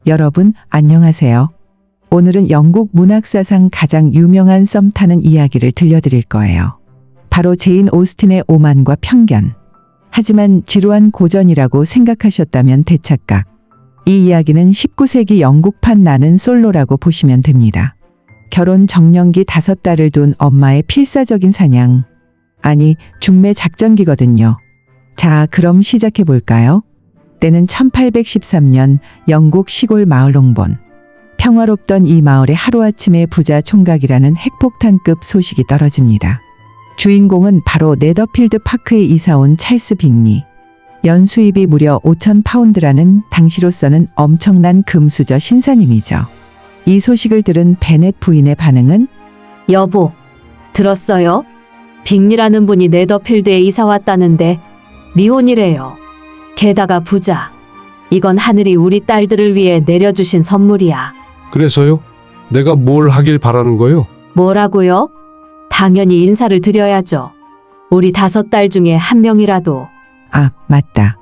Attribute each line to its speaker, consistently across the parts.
Speaker 1: 여러분, 안녕하세요. 오늘은 영국 문학사상 가장 유명한 썸 타는 이야기를 들려드릴 거예요. 바로 제인 오스틴의 오만과 편견. 하지만 지루한 고전이라고 생각하셨다면 대착각. 이 이야기는 19세기 영국판 나는 솔로라고 보시면 됩니다. 결혼 정년기 5딸을 둔 엄마의 필사적인 사냥. 아니, 중매 작전기거든요. 자, 그럼 시작해 볼까요? 때는 1813년 영국 시골 마을 롱본. 평화롭던 이 마을에 하루아침에 부자 총각이라는 핵폭탄급 소식이 떨어집니다. 주인공은 바로 네더필드 파크에 이사온 찰스 빅리. 연수입이 무려 5,000파운드라는 당시로서는 엄청난 금수저 신사님이죠. 이 소식을 들은 베넷 부인의 반응은
Speaker 2: 여보, 들었어요? 빅리라는 분이 네더필드에 이사 왔다는데 미혼이래요. 게다가 부자. 이건 하늘이 우리 딸들을 위해 내려주신 선물이야.
Speaker 3: 그래서요? 내가 뭘 하길 바라는 거요?
Speaker 2: 뭐라고요? 당연히 인사를 드려야죠. 우리 5딸 중에 한 명이라도.
Speaker 1: 아, 맞다.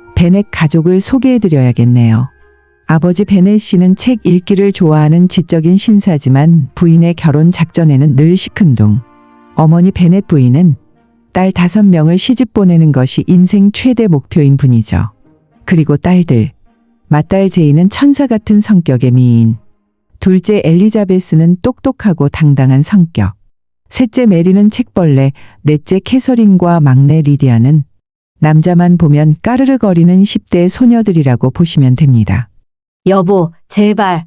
Speaker 1: 베넷 가족을 소개해드려야겠네요. 아버지 베넷 씨는 책 읽기를 좋아하는 지적인 신사지만 부인의 결혼 작전에는 늘 시큰둥. 어머니 베넷 부인은 딸 5명을 시집 보내는 것이 인생 최대 목표인 분이죠. 그리고 딸들. 맏딸 제이는 천사 같은 성격의 미인. 둘째 엘리자베스는 똑똑하고 당당한 성격. 셋째 메리는 책벌레, 넷째 캐서린과 막내 리디아는 남자만 보면 까르르거리는 10대 소녀들이라고 보시면 됩니다.
Speaker 2: 여보, 제발.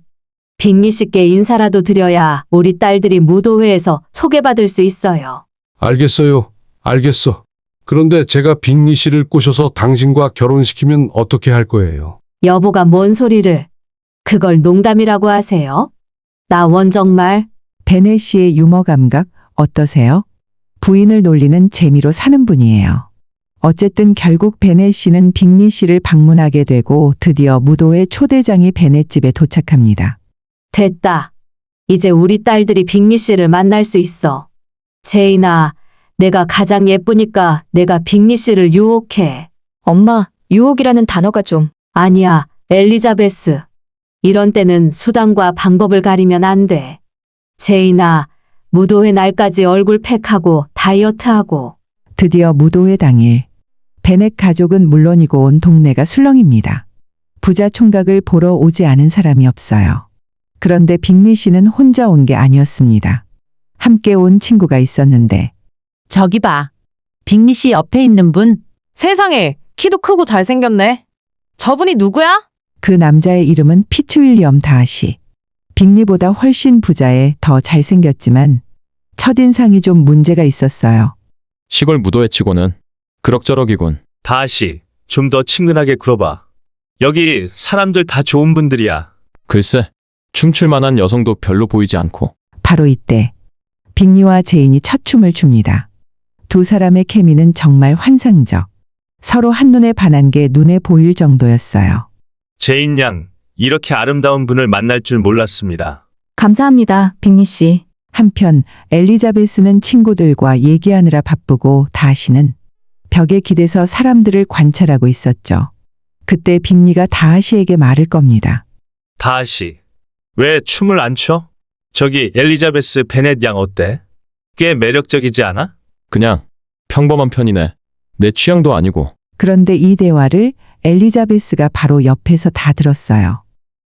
Speaker 2: 빅리 씨께 인사라도 드려야 우리 딸들이 무도회에서 소개받을 수 있어요.
Speaker 3: 알겠어요. 알겠어. 그런데 제가 빅리 씨를 꼬셔서 당신과 결혼시키면 어떻게 할 거예요?
Speaker 2: 여보가 뭔 소리를. 그걸 농담이라고 하세요? 나 정말.
Speaker 1: 베넷 씨의 유머 감각 어떠세요? 부인을 놀리는 재미로 사는 분이에요. 어쨌든 결국 베넷 씨는 빅리 씨를 방문하게 되고 드디어 무도회 초대장이 베넷 집에 도착합니다.
Speaker 2: 됐다. 이제 우리 딸들이 빅리 씨를 만날 수 있어. 제인아, 내가 가장 예쁘니까 내가 빅리 씨를 유혹해.
Speaker 4: 엄마, 유혹이라는 단어가 좀.
Speaker 2: 아니야, 엘리자베스. 이런 때는 수단과 방법을 가리면 안 돼. 제인아, 무도회 날까지 얼굴 팩하고 다이어트하고.
Speaker 1: 드디어 무도회 당일. 베넷 가족은 물론이고 온 동네가 술렁입니다. 부자 총각을 보러 오지 않은 사람이 없어요. 그런데 빅리 씨는 혼자 온 게 아니었습니다. 함께 온 친구가 있었는데
Speaker 5: 저기 봐. 빅리 씨 옆에 있는 분.
Speaker 6: 세상에, 키도 크고 잘생겼네. 저분이 누구야?
Speaker 1: 그 남자의 이름은 피츠윌리엄 다하시. 빅리보다 훨씬 부자에 더 잘생겼지만 첫인상이 좀 문제가 있었어요.
Speaker 7: 시골 무도회 치고는 그럭저럭이군.
Speaker 8: 다시 좀 더 친근하게 굴어봐. 여기 사람들 다 좋은 분들이야.
Speaker 7: 글쎄, 춤출 만한 여성도 별로 보이지 않고.
Speaker 1: 바로 이때 빅리와 제인이 첫 춤을 춥니다. 두 사람의 케미는 정말 환상적. 서로 한눈에 반한 게 눈에 보일 정도였어요.
Speaker 8: 제인 양, 이렇게 아름다운 분을 만날 줄 몰랐습니다.
Speaker 4: 감사합니다, 빅리 씨.
Speaker 1: 한편 엘리자베스는 친구들과 얘기하느라 바쁘고 다하시는 벽에 기대서 사람들을 관찰하고 있었죠. 그때 빅리가 다하시에게 말을 겁니다.
Speaker 8: 다시, 왜 춤을 안 춰? 저기 엘리자베스 베넷 양 어때? 꽤 매력적이지 않아?
Speaker 7: 그냥 평범한 편이네. 내 취향도 아니고.
Speaker 1: 그런데 이 대화를 엘리자베스가 바로 옆에서 다 들었어요.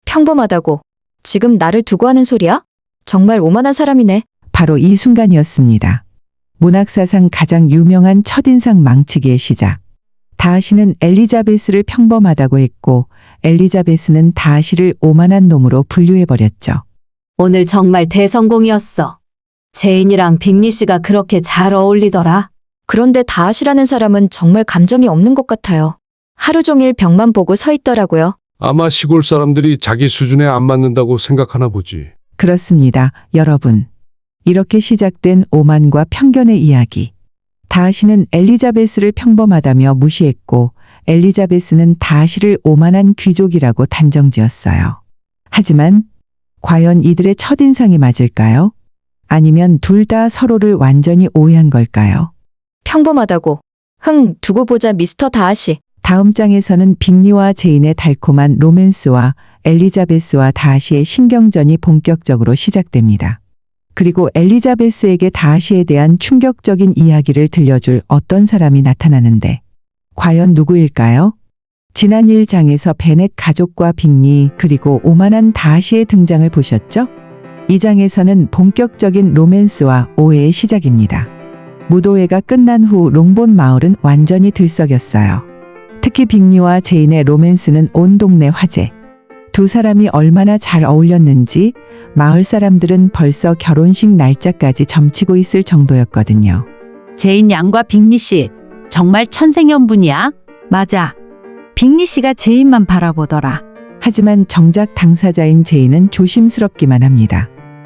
Speaker 4: 평범하다고. 지금 나를 두고 하는 소리야? 정말 오만한 사람이네.
Speaker 1: 바로 이 순간이었습니다. 문학사상 가장 유명한 첫인상 망치기의 시작. 다하시는 엘리자베스를 평범하다고 했고 엘리자베스는 다하시를 오만한 놈으로 분류해버렸죠.
Speaker 2: 오늘 정말 대성공이었어. 제인이랑 빅리 씨가 그렇게 잘 어울리더라.
Speaker 4: 그런데 다하시라는 사람은 정말 감정이 없는 것 같아요. 하루 종일 벽만 보고 서 있더라고요.
Speaker 3: 아마 시골 사람들이 자기 수준에 안 맞는다고 생각하나 보지.
Speaker 1: 그렇습니다, 여러분. 이렇게 시작된 오만과 편견의 이야기. 다하시는 엘리자베스를 평범하다며 무시했고 엘리자베스는 다하시를 오만한 귀족이라고 단정지었어요. 하지만 과연 이들의 첫인상이 맞을까요? 아니면 둘 다 서로를 완전히 오해한 걸까요?
Speaker 4: 평범하다고. 두고 보자 미스터 다하시.
Speaker 1: 다음 장에서는 빅리와 제인의 달콤한 로맨스와 엘리자베스와 다하시의 신경전이 본격적으로 시작됩니다. 그리고 엘리자베스에게 다하시에 대한 충격적인 이야기를 들려줄 어떤 사람이 나타나는데 과연 누구일까요? 지난 1장에서 베넷 가족과 빅리 그리고 오만한 다하시의 등장을 보셨죠? 이 장에서는 본격적인 로맨스와 오해의 시작입니다. 무도회가 끝난 후 롱본 마을은 완전히 들썩였어요. 특히 빅리와 제인의 로맨스는 온 동네 화제. 두 사람이 얼마나 잘 어울렸는지 마을 사람들은 벌써 결혼식 날짜까지 점치고 있을 정도였거든요.
Speaker 5: 제인 양과 빅리 씨 정말 천생연분이야.
Speaker 9: 맞아. 빅리 씨가 제인만 바라보더라.
Speaker 1: 하지만 정작 당사자인 제인은 조심스럽기만 합니다.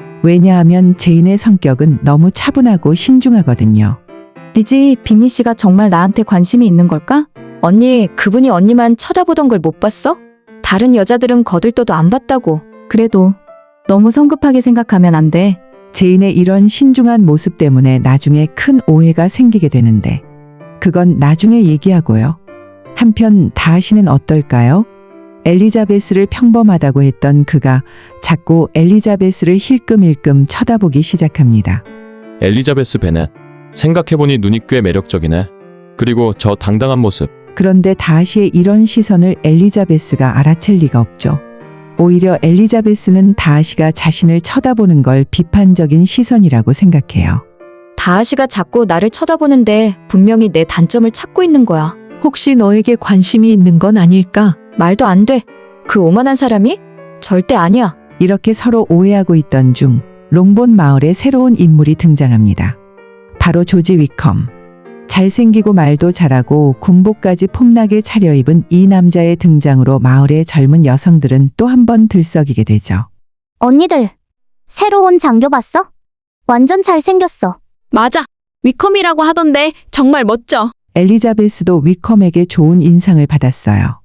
Speaker 1: 왜냐하면 제인의 성격은 너무 차분하고 신중하거든요.
Speaker 9: 리지, 빅리 씨가 정말 나한테 관심이 있는 걸까?
Speaker 4: 언니, 그분이 언니만 쳐다보던 걸 못 봤어? 다른 여자들은 거들떠도 안 봤다고.
Speaker 9: 그래도 너무 성급하게 생각하면 안 돼.
Speaker 1: 제인의 이런 신중한 모습 때문에 나중에 큰 오해가 생기게 되는데 그건 나중에 얘기하고요. 한편 다하시는 어떨까요? 엘리자베스를 평범하다고 했던 그가 자꾸 엘리자베스를 힐끔힐끔 쳐다보기 시작합니다.
Speaker 7: 엘리자베스 베넷. 생각해보니 눈이 꽤 매력적이네. 그리고 저 당당한 모습.
Speaker 1: 그런데 다하시의 이런 시선을 엘리자베스가 알아챌 리가 없죠. 오히려 엘리자베스는 다하시가 자신을 쳐다보는 걸 비판적인 시선이라고 생각해요.
Speaker 4: 다하시가 자꾸 나를 쳐다보는데 분명히 내 단점을 찾고 있는 거야.
Speaker 10: 혹시 너에게 관심이 있는 건 아닐까?
Speaker 4: 말도 안 돼. 그 오만한 사람이? 절대 아니야.
Speaker 1: 이렇게 서로 오해하고 있던 중 롱본 마을에 새로운 인물이 등장합니다. 바로 조지 위컴. 잘생기고 말도 잘하고 군복까지 폼나게 차려입은 이 남자의 등장으로 마을의 젊은 여성들은 또 한 번 들썩이게 되죠.
Speaker 11: 언니들, 새로운 장교 봤어? 완전 잘생겼어.
Speaker 6: 맞아. 위컴이라고 하던데 정말 멋져.
Speaker 1: 엘리자베스도 위컴에게 좋은 인상을 받았어요.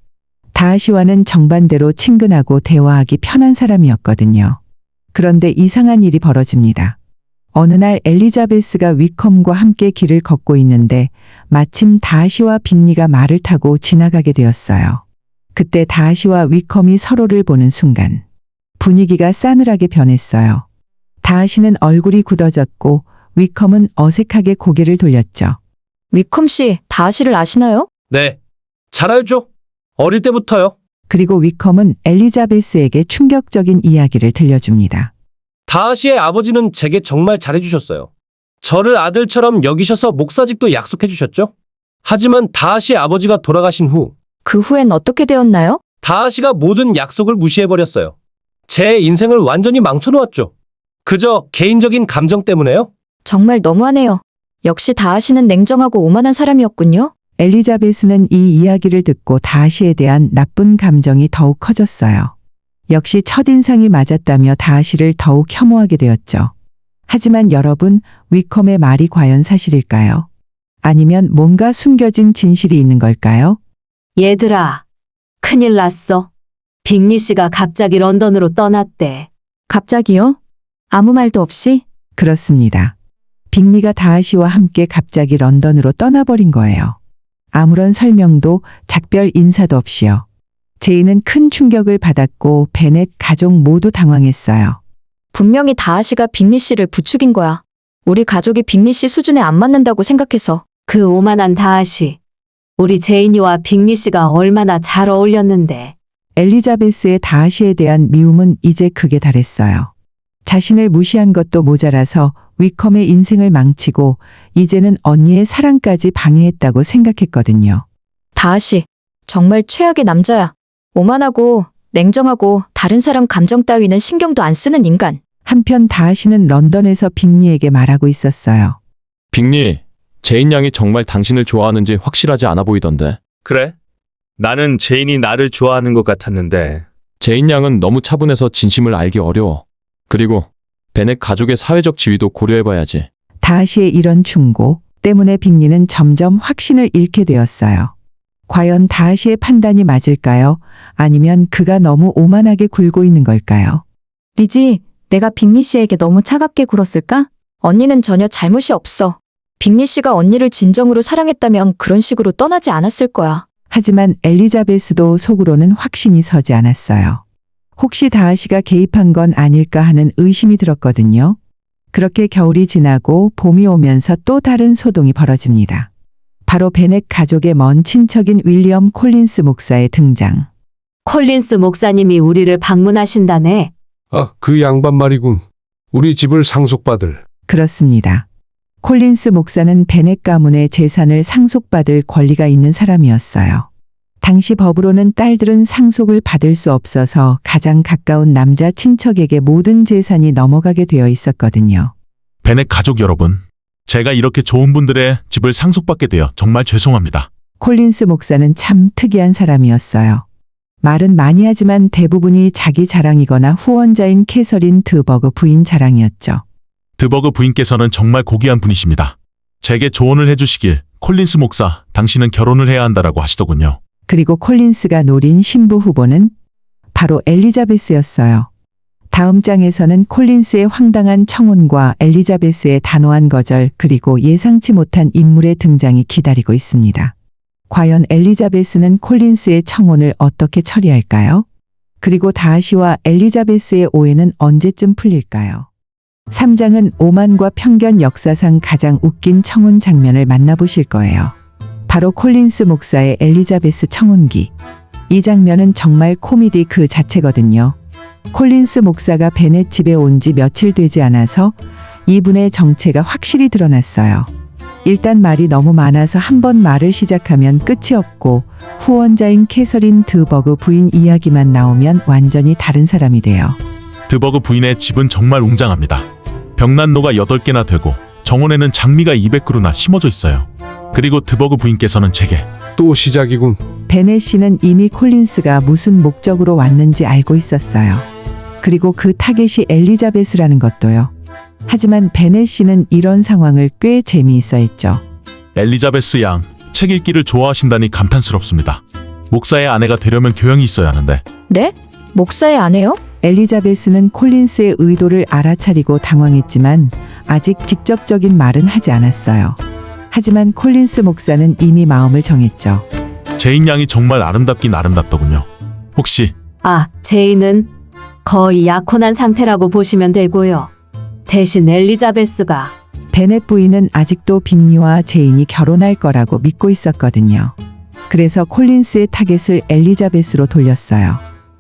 Speaker 1: 다하시와는 정반대로 친근하고 대화하기 편한 사람이었거든요. 그런데 이상한 일이 벌어집니다. 어느 날 엘리자베스가 위컴과 함께 길을 걷고 있는데 마침 다하시와 빅리가 말을 타고 지나가게 되었어요. 그때 다하시와 위컴이 서로를 보는 순간 분위기가 싸늘하게 변했어요. 다하시는 얼굴이 굳어졌고 위컴은 어색하게 고개를 돌렸죠.
Speaker 4: 위컴 씨, 다하시를 아시나요?
Speaker 12: 네. 잘 알죠? 어릴 때부터요.
Speaker 1: 그리고 위컴은 엘리자베스에게 충격적인 이야기를 들려줍니다.
Speaker 12: 다하시의 아버지는 제게 정말 잘해주셨어요. 저를 아들처럼 여기셔서 목사직도 약속해주셨죠? 하지만 다하시의 아버지가 돌아가신 후
Speaker 4: 그 후엔 어떻게 되었나요?
Speaker 12: 다하시가 모든 약속을 무시해버렸어요. 제 인생을 완전히 망쳐놓았죠. 그저 개인적인 감정 때문에요?
Speaker 4: 정말 너무하네요. 역시 다하시는 냉정하고 오만한 사람이었군요.
Speaker 1: 엘리자베스는 이 이야기를 듣고 다하시에 대한 나쁜 감정이 더욱 커졌어요. 역시 첫인상이 맞았다며 다하시를 더욱 혐오하게 되었죠. 하지만 여러분, 위컴의 말이 과연 사실일까요? 아니면 뭔가 숨겨진 진실이 있는 걸까요?
Speaker 2: 얘들아, 큰일 났어. 빅리 씨가 갑자기 런던으로 떠났대.
Speaker 9: 갑자기요? 아무 말도 없이?
Speaker 1: 그렇습니다. 빅리가 다하시와 함께 갑자기 런던으로 떠나버린 거예요. 아무런 설명도 작별 인사도 없이요. 제인은 큰 충격을 받았고 베넷 가족 모두 당황했어요.
Speaker 4: 분명히 다하시가 빅리 씨를 부추긴 거야. 우리 가족이 빅리 씨 수준에 안 맞는다고 생각해서.
Speaker 2: 그 오만한 다하시. 우리 제인이와 빅리 씨가 얼마나 잘 어울렸는데.
Speaker 1: 엘리자베스의 다하시에 대한 미움은 이제 극에 달했어요. 자신을 무시한 것도 모자라서 위컴의 인생을 망치고 이제는 언니의 사랑까지 방해했다고 생각했거든요.
Speaker 4: 다하시, 정말 최악의 남자야. 오만하고 냉정하고 다른 사람 감정 따위는 신경도 안 쓰는 인간.
Speaker 1: 한편 다하시는 런던에서 빅리에게 말하고 있었어요.
Speaker 7: 빅리, 제인 양이 정말 당신을 좋아하는지 확실하지 않아 보이던데.
Speaker 8: 그래? 나는 제인이 나를 좋아하는 것 같았는데.
Speaker 7: 제인 양은 너무 차분해서 진심을 알기 어려워. 그리고 베넷 가족의 사회적 지위도 고려해봐야지.
Speaker 1: 다하시의 이런 충고 때문에 빅리는 점점 확신을 잃게 되었어요. 과연 다하시의 판단이 맞을까요? 아니면 그가 너무 오만하게 굴고 있는 걸까요?
Speaker 9: 리지, 내가 빅리 씨에게 너무 차갑게 굴었을까?
Speaker 4: 언니는 전혀 잘못이 없어. 빅리 씨가 언니를 진정으로 사랑했다면 그런 식으로 떠나지 않았을 거야.
Speaker 1: 하지만 엘리자베스도 속으로는 확신이 서지 않았어요. 혹시 다하시가 개입한 건 아닐까 하는 의심이 들었거든요. 그렇게 겨울이 지나고 봄이 오면서 또 다른 소동이 벌어집니다. 바로 베넷 가족의 먼 친척인 윌리엄 콜린스 목사의 등장.
Speaker 2: 콜린스 목사님이 우리를 방문하신다네.
Speaker 3: 아, 그 양반 말이군. 우리 집을 상속받을.
Speaker 1: 그렇습니다. 콜린스 목사는 베넷 가문의 재산을 상속받을 권리가 있는 사람이었어요. 당시 법으로는 딸들은 상속을 받을 수 없어서 가장 가까운 남자 친척에게 모든 재산이 넘어가게 되어 있었거든요.
Speaker 13: 베넷 가족 여러분, 제가 이렇게 좋은 분들의 집을 상속받게 되어 정말 죄송합니다.
Speaker 1: 콜린스 목사는 참 특이한 사람이었어요. 말은 많이 하지만 대부분이 자기 자랑이거나 후원자인 캐서린 드버그 부인 자랑이었죠.
Speaker 13: 드버그 부인께서는 정말 고귀한 분이십니다. 제게 조언을 해주시길, 콜린스 목사, 당신은 결혼을 해야 한다라고 하시더군요.
Speaker 1: 그리고 콜린스가 노린 신부 후보는 바로 엘리자베스였어요. 다음 장에서는 콜린스의 황당한 청혼과 엘리자베스의 단호한 거절 그리고 예상치 못한 인물의 등장이 기다리고 있습니다. 과연 엘리자베스는 콜린스의 청혼을 어떻게 처리할까요? 그리고 다하시와 엘리자베스의 오해는 언제쯤 풀릴까요? 3장은 오만과 편견 역사상 가장 웃긴 청혼 장면을 만나보실 거예요. 바로 콜린스 목사의 엘리자베스 청혼기. 이 장면은 정말 코미디 그 자체거든요. 콜린스 목사가 베넷 집에 온 지 며칠 되지 않아서 이분의 정체가 확실히 드러났어요. 일단 말이 너무 많아서 한 번 말을 시작하면 끝이 없고 후원자인 캐서린 드버그 부인 이야기만 나오면 완전히 다른 사람이 돼요.
Speaker 13: 드버그 부인의 집은 정말 웅장합니다. 벽난로가 8개나 되고 정원에는 장미가 200그루나 심어져 있어요. 그리고 드버그 부인께서는 제게
Speaker 3: 또 시작이군.
Speaker 1: 베넷 씨는 이미 콜린스가 무슨 목적으로 왔는지 알고 있었어요. 그리고 그 타겟이 엘리자베스라는 것도요. 하지만 베넷 씨는 이런 상황을 꽤 재미있어 했죠.
Speaker 13: 엘리자베스 양, 책 읽기를 좋아하신다니 감탄스럽습니다. 목사의 아내가 되려면 교양이 있어야 하는데.
Speaker 4: 네? 목사의 아내요?
Speaker 1: 엘리자베스는 콜린스의 의도를 알아차리고 당황했지만 아직 직접적인 말은 하지 않았어요. 하지만 콜린스 목사는 이미 마음을 정했죠.
Speaker 13: 제인 양이 정말 아름답긴 아름답더군요. 혹시
Speaker 2: 제인은 거의 약혼한 상태라고 보시면 되고요. 대신 엘리자베스가
Speaker 1: 베넷 부인은 아직도 빅리와 제인이 결혼할 거라고 믿고 있었거든요. 그래서 콜린스의 타겟을 엘리자베스로 돌렸어요.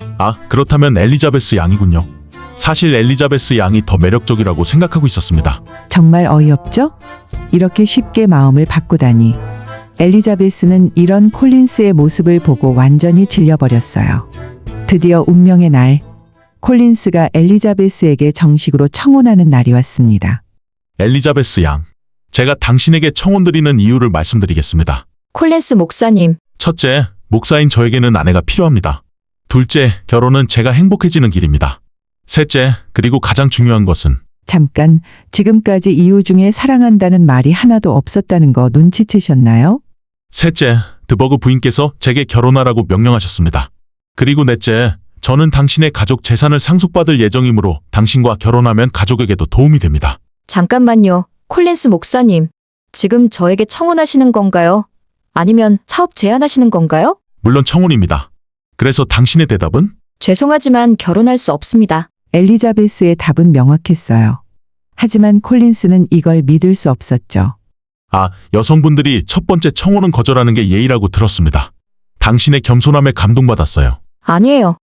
Speaker 13: 그렇다면 엘리자베스 양이군요. 사실 엘리자베스 양이 더 매력적이라고 생각하고 있었습니다.
Speaker 1: 정말 어이없죠? 이렇게 쉽게 마음을 바꾸다니. 엘리자베스는 이런 콜린스의 모습을 보고 완전히 질려버렸어요. 드디어 운명의 날, 콜린스가 엘리자베스에게 정식으로 청혼하는 날이 왔습니다.
Speaker 13: 엘리자베스 양, 제가 당신에게 청혼드리는 이유를 말씀드리겠습니다.
Speaker 4: 콜린스 목사님.
Speaker 13: 첫째, 목사인 저에게는 아내가 필요합니다. 둘째, 결혼은 제가 행복해지는 길입니다. 셋째, 그리고 가장 중요한 것은
Speaker 1: 잠깐, 지금까지 이유 중에 사랑한다는 말이 하나도 없었다는 거 눈치채셨나요?
Speaker 13: 셋째, 드버그 부인께서 제게 결혼하라고 명령하셨습니다. 그리고 넷째, 저는 당신의 가족 재산을 상속받을 예정이므로 당신과 결혼하면 가족에게도 도움이 됩니다.
Speaker 4: 잠깐만요. 콜린스 목사님. 지금 저에게 청혼하시는 건가요? 아니면 사업 제안하시는 건가요?
Speaker 13: 물론 청혼입니다. 그래서 당신의 대답은?
Speaker 4: 죄송하지만 결혼할 수 없습니다.
Speaker 1: 엘리자베스의 답은 명확했어요. 하지만 콜린스는 이걸 믿을 수 없었죠.
Speaker 13: 여성분들이 첫 번째 청혼은 거절하는 게 예의라고 들었습니다. 당신의 겸손함에 감동받았어요.
Speaker 4: 아니에요.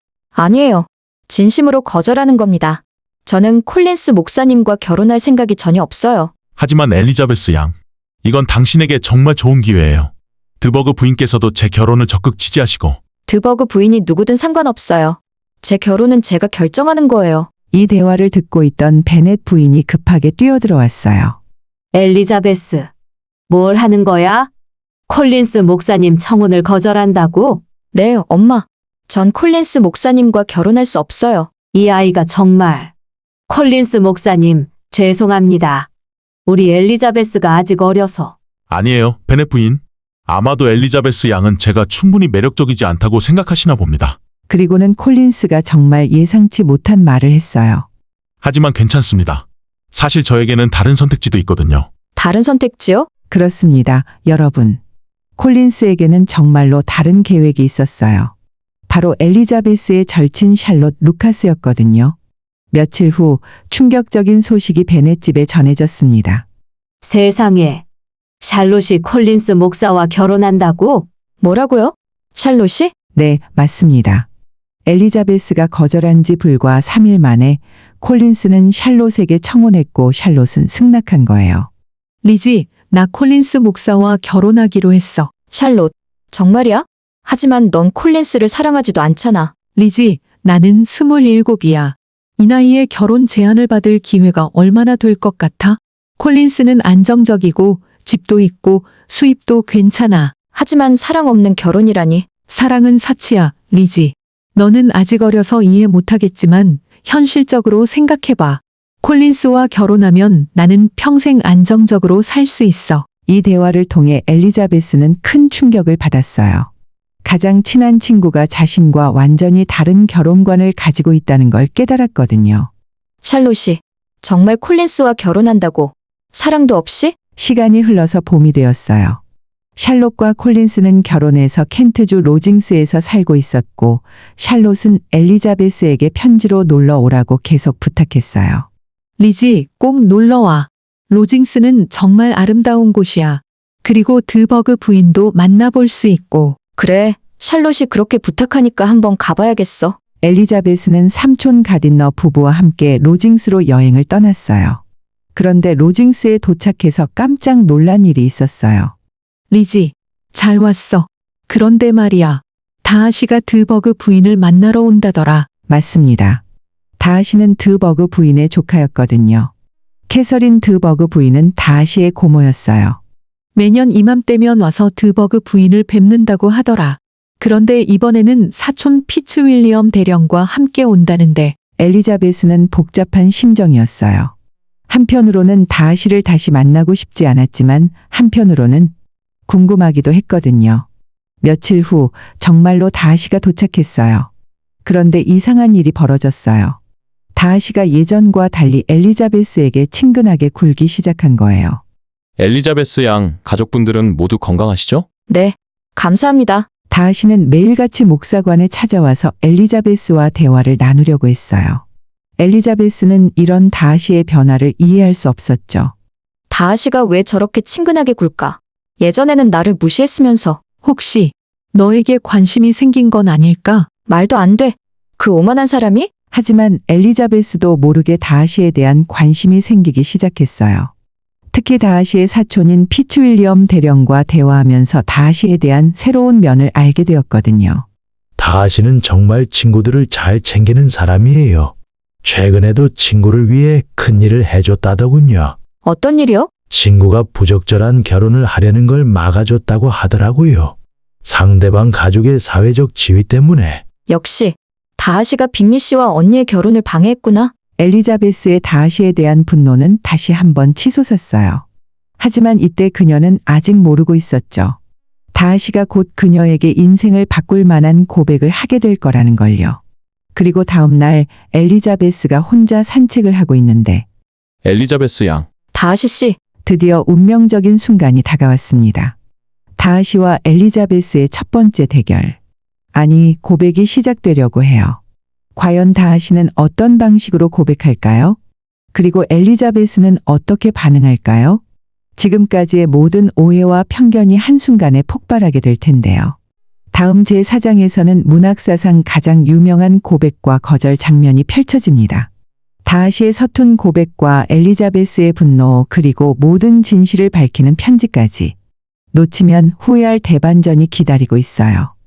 Speaker 4: 진심으로 거절하는 겁니다. 저는 콜린스 목사님과 결혼할 생각이 전혀 없어요.
Speaker 13: 하지만 엘리자베스 양, 이건 당신에게 정말 좋은 기회예요. 드버그 부인께서도 제 결혼을 적극 지지하시고.
Speaker 4: 드버그 부인이 누구든 상관없어요. 제 결혼은 제가 결정하는 거예요.
Speaker 1: 이 대화를 듣고 있던 베넷 부인이 급하게 뛰어들어왔어요.
Speaker 2: 엘리자베스, 뭘 하는 거야? 콜린스 목사님 청혼을 거절한다고?
Speaker 4: 네, 엄마. 전 콜린스 목사님과 결혼할 수 없어요.
Speaker 2: 이 아이가 정말. 콜린스 목사님, 죄송합니다. 우리 엘리자베스가 아직 어려서.
Speaker 13: 아니에요, 베넷 부인. 아마도 엘리자베스 양은 제가 충분히 매력적이지 않다고 생각하시나 봅니다.
Speaker 1: 그리고는 콜린스가 정말 예상치 못한 말을 했어요.
Speaker 13: 하지만 괜찮습니다. 사실 저에게는 다른 선택지도 있거든요.
Speaker 4: 다른 선택지요?
Speaker 1: 그렇습니다, 여러분. 콜린스에게는 정말로 다른 계획이 있었어요. 바로 엘리자베스의 절친 샬롯 루카스였거든요. 며칠 후 충격적인 소식이 베넷 집에 전해졌습니다.
Speaker 2: 세상에. 샬롯이 콜린스 목사와 결혼한다고?
Speaker 4: 뭐라고요? 샬롯이?
Speaker 1: 네, 맞습니다. 엘리자베스가 거절한 지 불과 3일 만에 콜린스는 샬롯에게 청혼했고 샬롯은 승낙한 거예요.
Speaker 10: 리지, 나 콜린스 목사와 결혼하기로 했어.
Speaker 4: 샬롯, 정말이야? 하지만 넌 콜린스를 사랑하지도 않잖아.
Speaker 10: 리지, 나는 27이야. 이 나이에 결혼 제안을 받을 기회가 얼마나 될 것 같아? 콜린스는 안정적이고 집도 있고 수입도 괜찮아.
Speaker 4: 하지만 사랑 없는 결혼이라니.
Speaker 10: 사랑은 사치야, 리지. 너는 아직 어려서 이해 못하겠지만 현실적으로 생각해봐. 콜린스와 결혼하면 나는 평생 안정적으로 살 수 있어.
Speaker 1: 이 대화를 통해 엘리자베스는 큰 충격을 받았어요. 가장 친한 친구가 자신과 완전히 다른 결혼관을 가지고 있다는 걸 깨달았거든요.
Speaker 4: 샬롯이 정말 콜린스와 결혼한다고? 사랑도 없이?
Speaker 1: 시간이 흘러서 봄이 되었어요. 샬롯과 콜린스는 결혼해서 켄트주 로징스에서 살고 있었고 샬롯은 엘리자베스에게 편지로 놀러 오라고 계속 부탁했어요.
Speaker 10: 리지, 꼭 놀러와. 로징스는 정말 아름다운 곳이야. 그리고 드버그 부인도 만나볼 수 있고.
Speaker 4: 그래, 샬롯이 그렇게 부탁하니까 한번 가봐야겠어.
Speaker 1: 엘리자베스는 삼촌 가딘너 부부와 함께 로징스로 여행을 떠났어요. 그런데 로징스에 도착해서 깜짝 놀란 일이 있었어요.
Speaker 10: 리지, 잘 왔어. 그런데 말이야. 다하시가 드버그 부인을 만나러 온다더라.
Speaker 1: 맞습니다. 다하시는 드버그 부인의 조카였거든요. 캐서린 드버그 부인은 다하시의 고모였어요.
Speaker 10: 매년 이맘때면 와서 드버그 부인을 뵙는다고 하더라. 그런데 이번에는 사촌 피츠윌리엄 대령과 함께 온다는데.
Speaker 1: 엘리자베스는 복잡한 심정이었어요. 한편으로는 다하시를 다시 만나고 싶지 않았지만 한편으로는 궁금하기도 했거든요. 며칠 후 정말로 다하시가 도착했어요. 그런데 이상한 일이 벌어졌어요. 다하시가 예전과 달리 엘리자베스에게 친근하게 굴기 시작한 거예요.
Speaker 7: 엘리자베스 양 가족분들은 모두 건강하시죠?
Speaker 4: 네, 감사합니다.
Speaker 1: 다하시는 매일같이 목사관에 찾아와서 엘리자베스와 대화를 나누려고 했어요. 엘리자베스는 이런 다하시의 변화를 이해할 수 없었죠.
Speaker 4: 다하시가 왜 저렇게 친근하게 굴까? 예전에는 나를 무시했으면서.
Speaker 10: 혹시 너에게 관심이 생긴 건 아닐까?
Speaker 4: 말도 안 돼. 그 오만한 사람이?
Speaker 1: 하지만 엘리자베스도 모르게 다하시에 대한 관심이 생기기 시작했어요. 특히 다하시의 사촌인 피츠윌리엄 대령과 대화하면서 다하시에 대한 새로운 면을 알게 되었거든요.
Speaker 14: 다하시는 정말 친구들을 잘 챙기는 사람이에요. 최근에도 친구를 위해 큰일을 해줬다더군요.
Speaker 4: 어떤 일이요?
Speaker 14: 친구가 부적절한 결혼을 하려는 걸 막아줬다고 하더라고요. 상대방 가족의 사회적 지위 때문에.
Speaker 4: 역시 다하시가 빅리 씨와 언니의 결혼을 방해했구나.
Speaker 1: 엘리자베스의 다하시에 대한 분노는 다시 한번 치솟았어요. 하지만 이때 그녀는 아직 모르고 있었죠. 다하시가 곧 그녀에게 인생을 바꿀 만한 고백을 하게 될 거라는 걸요. 그리고 다음 날 엘리자베스가 혼자 산책을 하고 있는데
Speaker 7: 엘리자베스 양.
Speaker 4: 다하시 씨.
Speaker 1: 드디어 운명적인 순간이 다가왔습니다. 다하시와 엘리자베스의 첫 번째 대결. 아니, 고백이 시작되려고 해요. 과연 다하시는 어떤 방식으로 고백할까요? 그리고 엘리자베스는 어떻게 반응할까요? 지금까지의 모든 오해와 편견이 한순간에 폭발하게 될 텐데요. 다음 제4장에서는 문학사상 가장 유명한 고백과 거절 장면이 펼쳐집니다. 다하시의 서툰 고백과 엘리자베스의 분노 그리고 모든 진실을 밝히는 편지까지. 놓치면 후회할 대반전이 기다리고 있어요.